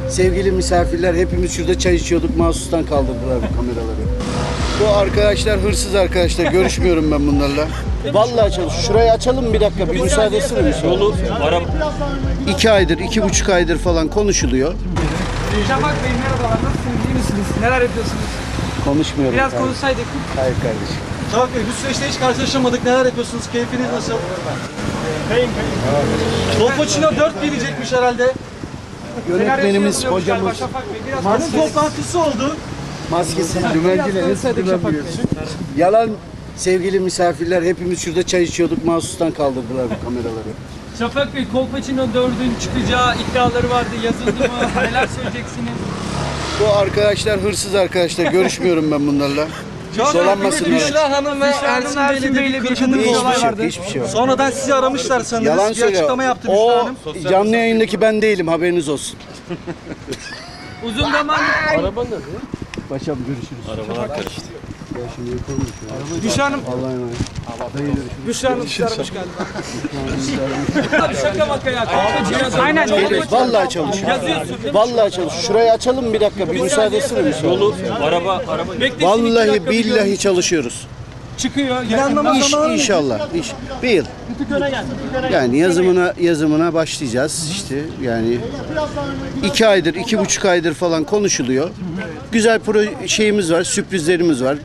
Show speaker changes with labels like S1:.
S1: Sevgili misafirler, hepimiz şurada çay içiyorduk. Mahsustan kaldırdılar bu kameraları. Bu arkadaşlar hırsız arkadaşlar. Görüşmüyorum ben bunlarla. Vallahi şurayı açalım bir dakika. Bir müsaade etsene mi?
S2: Yolu ara.
S1: 2 aydır, 2,5 aydır falan konuşuluyor.
S3: Şafak Bey merhabalar, nasılsınız, iyi misiniz? Neler yapıyorsunuz?
S1: Konuşmuyorum.
S3: Biraz
S1: kardeşim.
S3: konuşsaydık.
S1: Hayır kardeşim.
S2: Şafak Bey, bu süreçte hiç karşılaşamadık. Neler yapıyorsunuz? Keyfiniz nasıl? Kolpaçino 4 gelecekmiş herhalde.
S1: Yönetmenimiz, hocamız
S3: Şafak Bey, biraz
S2: Hanım toplantısı oldu.
S1: maskesiz dümenciyle
S3: konuşsaydık Şafak Bey.
S1: yalan. Sevgili misafirler, hepimiz şurada çay içiyorduk. Mahsustan kaldırdılar bu kameraları.
S4: Şafak Bey, Kolpaçino 4'ün çıkacağı iddiaları vardı. Yazıldı mı? Neler söyleyeceksiniz?
S1: Bu arkadaşlar hırsız arkadaşlar. Görüşmüyorum ben bunlarla. Dolanmasınlar.
S2: Büşra Hanım ve Ersin Bey'le bir kırgınlık
S1: Hiçbir
S2: olay
S1: şey yok,
S2: vardı.
S1: hiçbir şey yok.
S2: Sonradan sizi aramışlar sanırız.
S1: Yalan
S2: bir
S1: söylüyor.
S2: açıklama yaptı Büşra
S1: O
S2: Hanım.
S1: canlı yayındaki ben değilim, haberiniz olsun.
S4: Uzun zaman
S1: Paşam görüşürüz.
S2: Arabalar karıştı.
S3: Büşra Hanım,
S1: Allah'a emanet.
S3: Büşra Hanım sizi aramış galiba.
S4: şaka maka ya. Kolpaçino
S3: Aynen.
S1: Vallahi çalışıyor. Vallahi çalışıyor. Şurayı açalım bir dakika. Bir müsaade etsene mi?
S2: Yolu araba.
S1: Vallahi billahi çalışıyoruz.
S4: çıkıyor.
S2: Planlama zamanı mı?
S1: İnşallah. Bir yıl. Yani yazımına başlayacağız işte yani 2 aydır, 2,5 aydır falan konuşuluyor. Güzel şeyimiz var, sürprizlerimiz var.